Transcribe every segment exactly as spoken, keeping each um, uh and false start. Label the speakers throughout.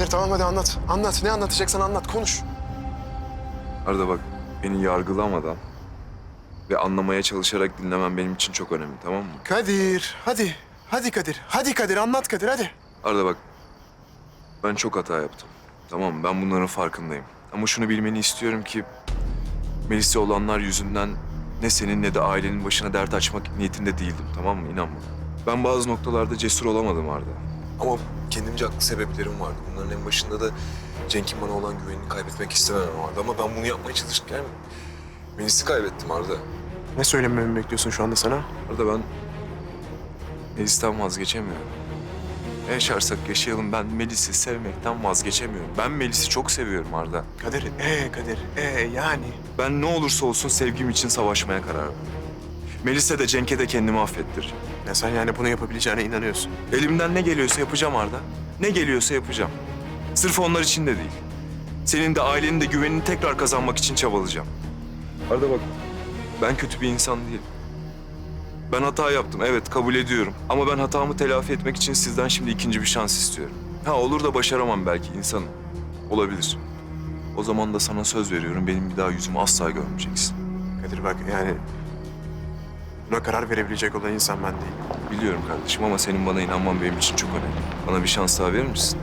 Speaker 1: Kadir tamam hadi anlat. Anlat. Ne anlatacaksan anlat. Konuş.
Speaker 2: Arda bak, beni yargılamadan ve anlamaya çalışarak dinlemen benim için çok önemli, tamam mı?
Speaker 1: Kadir hadi. Hadi Kadir. Hadi Kadir anlat Kadir hadi.
Speaker 2: Arda bak, ben çok hata yaptım. Tamam mı? Ben bunların farkındayım. Ama şunu bilmeni istiyorum ki Melis'e olanlar yüzünden ne senin ne de ailenin başına dert açmak niyetinde değildim, tamam mı? İnan bana. Ben bazı noktalarda cesur olamadım Arda. Ama kendimce haklı sebeplerim vardı. Bunların en başında da Cenk'in bana olan güvenini kaybetmek istememem vardı. Ama ben bunu yapmaya çalışırken Melis'i kaybettim Arda.
Speaker 1: Ne söylememi bekliyorsun şu anda sana?
Speaker 2: Arda ben Melis'ten vazgeçemiyorum. Ne yaşarsak yaşayalım ben Melis'i sevmekten vazgeçemiyorum. Ben Melis'i çok seviyorum Arda.
Speaker 1: Kadir, ee Kadir, ee yani.
Speaker 2: Ben ne olursa olsun sevgim için savaşmaya karar verdim. Melis'e de Cenk'e de kendimi affettireceğim.
Speaker 1: Ya sen yani bunu yapabileceğine inanıyorsun.
Speaker 2: Elimden ne geliyorsa yapacağım Arda. Ne geliyorsa yapacağım. Sırf onlar için de değil. Senin de ailenin de güvenini tekrar kazanmak için çabalayacağım. Arda bak, ben kötü bir insan değilim. Ben hata yaptım, evet kabul ediyorum. Ama ben hatamı telafi etmek için sizden şimdi ikinci bir şans istiyorum. Ha olur da başaramam belki insanım. Olabilir. O zaman da sana söz veriyorum, benim bir daha yüzümü asla görmeyeceksin.
Speaker 1: Kadir bak yani buna karar verebilecek olan insan ben değilim.
Speaker 2: Biliyorum kardeşim ama senin bana inanman benim için çok önemli. Bana bir şans daha verir misin?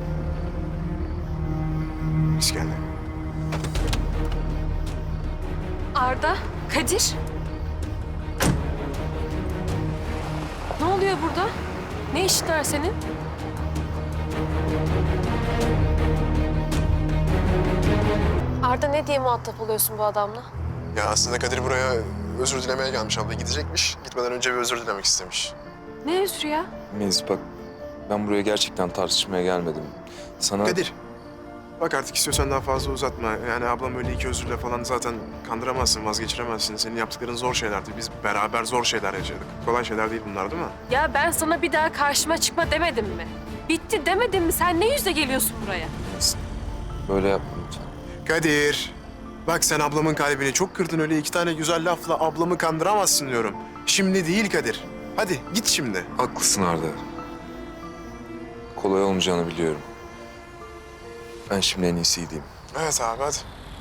Speaker 1: İskender.
Speaker 3: Arda, Kadir. Ne oluyor burada? Ne işin var senin? Arda ne diye muhatap oluyorsun bu adamla?
Speaker 1: Ya aslında Kadir buraya özür dilemeye gelmiş abla. Gidecekmiş. Gitmeden önce bir özür dilemek istemiş.
Speaker 3: Ne özrü ya?
Speaker 2: Melis bak, ben buraya gerçekten tartışmaya gelmedim. Sana...
Speaker 1: Kadir. Bak artık istiyorsan daha fazla uzatma. Yani ablam öyle iki özürle falan zaten kandıramazsın, vazgeçiremezsin. Senin yaptıkların zor şeylerdi. Biz beraber zor şeyler yaşadık. Kolay şeyler değil bunlar değil mi?
Speaker 3: Ya ben sana bir daha karşıma çıkma demedim mi? Bitti demedim mi? Sen ne yüzle geliyorsun buraya?
Speaker 2: Melis, böyle yapma lütfen.
Speaker 1: Kadir. Bak sen ablamın kalbini çok kırdın. Öyle iki tane güzel lafla ablamı kandıramazsın diyorum. Şimdi değil Kadir. Hadi git şimdi.
Speaker 2: Haklısın Arda. Kolay olmayacağını biliyorum. Ben şimdi en iyisi gideyim.
Speaker 1: Evet abi hadi.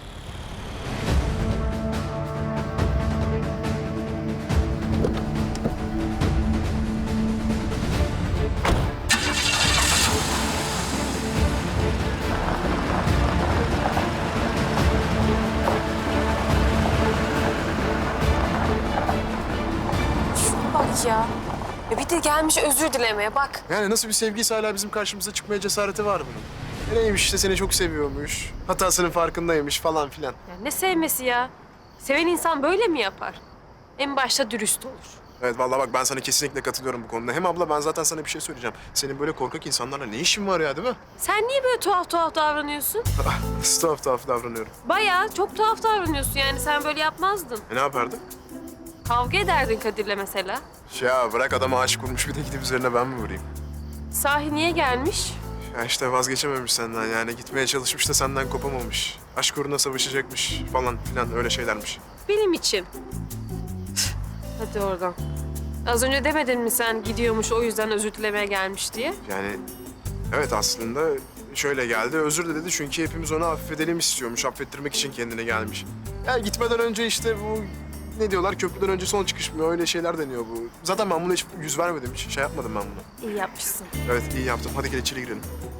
Speaker 3: Şuna bak ya. Ya bir de gelmiş özür dilemeye bak.
Speaker 1: Yani nasıl bir sevgiyse hala bizim karşımıza çıkmaya cesareti var bunun. E neymiş işte seni çok seviyormuş. Hatasının farkındaymış falan filan.
Speaker 3: Ya ne sevmesi ya? Seven insan böyle mi yapar? En başta dürüst olur.
Speaker 1: Evet vallahi bak ben sana kesinlikle katılıyorum bu konuda. Hem abla ben zaten sana bir şey söyleyeceğim. Senin böyle korkak insanlarla ne işin var ya değil mi?
Speaker 3: Sen niye böyle tuhaf tuhaf davranıyorsun?
Speaker 1: Nasıl tuhaf tuhaf davranıyorum.
Speaker 3: Bayağı çok tuhaf davranıyorsun yani sen böyle yapmazdın.
Speaker 1: E ne yapardın?
Speaker 3: Kavga ederdin Kadir'le mesela.
Speaker 1: Ya bırak adama aşık olmuş bir de gidip üzerine ben mi vurayım?
Speaker 3: Sahi niye gelmiş?
Speaker 1: Ya işte vazgeçememiş senden yani gitmeye çalışmış da senden kopamamış. Aşk uğruna savaşacakmış falan filan öyle şeylermiş.
Speaker 3: Benim için. Hadi oradan. Az önce demedin mi sen gidiyormuş o yüzden özür dilemeye gelmiş diye?
Speaker 1: Yani evet aslında şöyle geldi özür de dedi çünkü hepimiz onu affedelim istiyormuş. Affettirmek için kendine gelmiş. Ya gitmeden önce işte bu ne diyorlar köprüden önce son çıkış mı öyle şeyler deniyor bu. Zaten ben buna hiç yüz vermedim hiç şey yapmadım ben buna.
Speaker 3: İyi yapmışsın.
Speaker 1: Evet iyi yaptım hadi gel içeri girelim.